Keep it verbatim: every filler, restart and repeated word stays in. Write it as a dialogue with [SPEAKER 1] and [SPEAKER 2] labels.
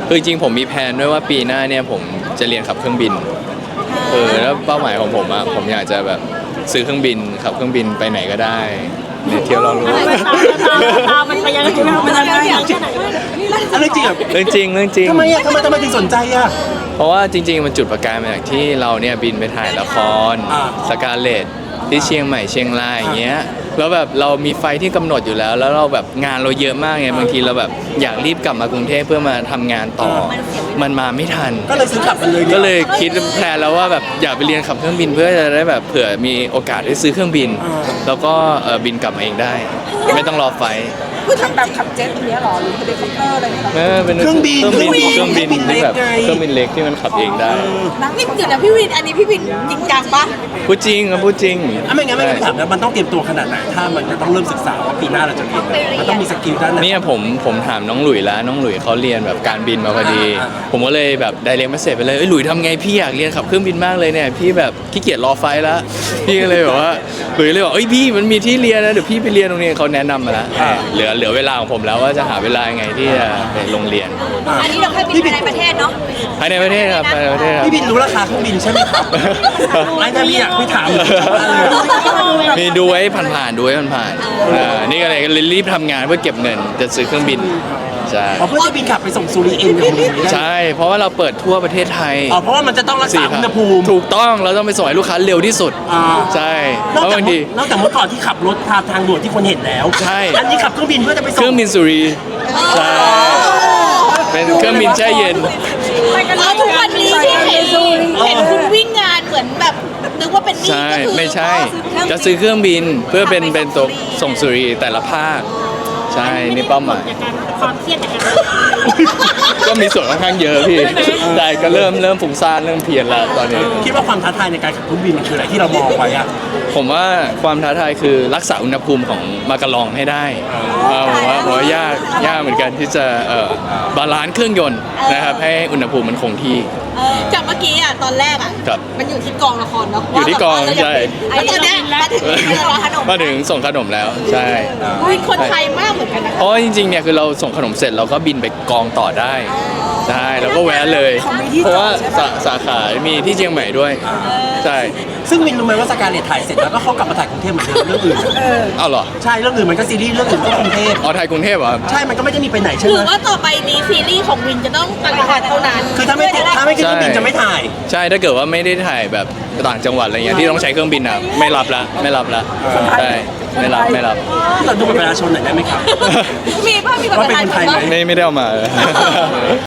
[SPEAKER 1] คือจริงผมมีแผนด้วยว่าปีหน้าเนี่ยผมจะเรียนขับเครื่องบินเออแล้วเป้าหมายของผมอะผมอยากจะแบบซื้อเครื่องบินขับเครื่องบินไปไหนก็ได้เนี่ยเที่ยวเรารู้
[SPEAKER 2] ตามมันไปยังไงมันยังไงอะไรจริงอ่ะ
[SPEAKER 1] เรื่องจริงเรื่องจริง
[SPEAKER 3] ทำไมอ่ะทำไมทำไมถึงสนใจอ่ะ
[SPEAKER 1] เพราะว่าจริงๆมันจุดประกายมาจากที่เราเนี่ยบินไปถ่ายละคร
[SPEAKER 3] อ่า
[SPEAKER 1] สกาเลตที่เชียงใหม่เชียงรายอย่างเงี้ยแล้วแบบเรามีไฟที่กำหนดอยู่แล้ว แล้วเราแบบงานเราเยอะมากไงบางทีเราแบบอยากรีบกลับมากรุงเทพเพื่อมาทำงานต่อมันมาไม่ทัน
[SPEAKER 3] ก็เลยซื้อกลับมันเลย
[SPEAKER 1] ก็เลยคิดแพลนแล้วว่าแบบอยากไปเรียนขับเครื่องบินเพื่อจะได้แบบเผื่อมีโอกาสได้ซื้อเครื่องบิน แล้วก็เอ่อบินกลับมาเองได้ ไม่ต้องรอไฟล์
[SPEAKER 2] คือทำแบบขับเจ็ตอย่างเงี้ยหรอหรือเฮลิคอปเตอร์อะไรเงี้ยหรอ
[SPEAKER 1] เออเป็น
[SPEAKER 3] เครื่องบิน
[SPEAKER 1] เครื่องบินเครื่องบิน
[SPEAKER 3] เล็
[SPEAKER 1] ที่
[SPEAKER 3] ก
[SPEAKER 1] แบบ
[SPEAKER 3] ไง
[SPEAKER 1] เครื่องบินเล็กที่มันขับเองได้
[SPEAKER 2] นี่เดี๋ยวนะพี่วินอันนี้พี่วินจริงจังปะ
[SPEAKER 1] พูดจริงครับพูดจริง
[SPEAKER 3] อ่ะไม่งั้นไม่งั้นถามแล้วมันต้องเตรียมตัวขนาดไหนถ้ามันจะต้องเริ่มศึกษาว่าปีหน้าเราจะเรียนอะไรมันต้องมีสกิลด้านไหน
[SPEAKER 1] เนี่ยผมผมถามน้องหลุยแล้วน้องหลุยเขาเรียนแบบการบินมาพอดี
[SPEAKER 3] อ่า
[SPEAKER 1] ผมก็เลยแบบไดเรกมาเสร็จไปเลยเอ้ยหลุยทำไงพี่อยากเรียนขับเครื่องบินมากเลยเนี่ยพี่แบบขี้เกียจรอไฟล์แล้วพี่ก็เลยแบบว่าหลุยเลยบอกเอ้ยพี่มันมีที่เรียนนะเดี๋ยวพี่ไปเรียนตรงนี้เขาแนะนำมาแล้วเหลือเหลือเวลาของผมแล้วว่าจะหาเวลายังไงที่จะไปโรงเรียน
[SPEAKER 2] อันนี้เราแค่บินภายในประเทศเนาะ
[SPEAKER 1] ภายในประเทศครับภายในประเทศครับ
[SPEAKER 3] พี่บินรู้ราคาเครื่องบินใช่ไหมครับไอ้ถ้าพี่อยากพี่ถามเลย
[SPEAKER 1] มีดูไว้ผ่านๆดูไว้ผ่านๆอ่านี่ก็เลยรีบทำงานเพื่อเก็บเงินจะซื้อเครื่องบินใช่
[SPEAKER 3] อ๋อเพื่อจะบินกลับไปส่งสุริเอ็นกับมึงได้
[SPEAKER 1] ใช่เพราะว่าเราเปิดทั่วประเทศไทย
[SPEAKER 3] อ๋อเพราะว่ามันจะต้องรักษาอุณหภูมิ
[SPEAKER 1] ถูกต้องเราต้องไปส่งให้ลูกค้าเร็วที่สุด
[SPEAKER 3] อ่า
[SPEAKER 1] ใช่
[SPEAKER 3] นอก
[SPEAKER 1] เพราะ
[SPEAKER 3] จาก
[SPEAKER 1] บางที
[SPEAKER 3] นอกจากเมื่อก่อนที่ขับรถทางทางด่วนที่คนเห็นแล้ว
[SPEAKER 1] ใช่
[SPEAKER 3] อันนี้ขับเครื่องบินเพื่อจะไป
[SPEAKER 1] เค
[SPEAKER 3] ส่
[SPEAKER 1] รื่อง งบินสุรีใช่เป็นเครื่องบินแช่เย็น
[SPEAKER 2] แล้วทุกวันนี้ที่เห็นเห็นคุณวิ่งงานเหมือนแบบนึกว่าเป็นนี่
[SPEAKER 1] ใช่
[SPEAKER 2] ก็คือ
[SPEAKER 1] ไม่ใช่ จะซื้อเครื่องบินเพื่อเป็นเป็นตัวส่งสุรีแต่ละภาคใช่นี่เป้าหมาย
[SPEAKER 2] ความเครียดจากการ
[SPEAKER 1] ก็มีส่วนค่อนข้างเยอะพี่ใช่ก็เริ่มเริ่มฟุ้งซ่านเริ่มเพลียนแล้วตอนนี้
[SPEAKER 3] คิดว่าความท้าทายในการขับเครื่องบินมันคืออะไรที่เรามองไว้อะ
[SPEAKER 1] ผมว่าความท้าทายคือรักษาอุณหภูมิของมากะลองให้ได้เออผมว่าผมว่ายากยากเหมือนกันที่จะเอ่อบาลานซ์เครื่องยนต์นะครับให้อุณหภูมิมันคงที่
[SPEAKER 2] จากเมื่อกี้อ่ะตอนแรกอ่ะ
[SPEAKER 1] ครับ
[SPEAKER 2] มันอยู่ที่กองละครเนาะ
[SPEAKER 1] อยู่ที่กองใช่
[SPEAKER 2] แล้วตอนเนี้ยมาถึงที่ร้านขนม
[SPEAKER 1] มาถึงส่งขนมแล้วใช่
[SPEAKER 2] อุ้ยคนไทยมากเหมือนกันนะ
[SPEAKER 1] เพราะว่าจริงๆเนี่ยคือเราส่งขนมเสร็จเราก็บินไปกองต่อได้ใช่แล้วก็แวะเลย เพราะว่าสาสาขามีที่เชียงใหม่ด้วยใช่
[SPEAKER 3] ซึ่งวินรู้ไหมว่าสการเลตถ่ายเสร็จแล้วก็เขากลับมาถ่ายกรุงเทพเหมือนเดิมเรื่องอื่นอะ
[SPEAKER 1] เอาเหรอ
[SPEAKER 3] ใช่เรื่องอื่นมันก็ซีรีส์เรื่องอื่นก็กรุงเทพ
[SPEAKER 1] อ๋อไทยกรุงเทพเหรอครับ
[SPEAKER 3] ใช่มันก็ไม่ได้มีไปไหนใช่
[SPEAKER 2] ห
[SPEAKER 3] ไห
[SPEAKER 2] รื
[SPEAKER 3] ม
[SPEAKER 2] อว่าต่อไปนี้ซีรีส์ของวินจะต้องต่างจังหวัดเท่านั้น
[SPEAKER 3] คือถ้าไม่ถ้าไม่ขึ้นเครื่องบินจะไม่ถ่าย
[SPEAKER 1] ใช่ถ้าเกิดว่าไม่ได้ถ่ายแบบต่างจังหวัดอะไรเงี้ยที่ต้องใช้เครื่องบินอ่ะไม่รับละไม่รับละใช่ไม่รับไม่รับ
[SPEAKER 3] เราดูบัตรประชาชนหน่อยได้ไหมครับ
[SPEAKER 2] มีป่ะมีแบบ
[SPEAKER 3] ว่าเป็นคนไทยไหม
[SPEAKER 1] ไม่ไม่ได้เอามา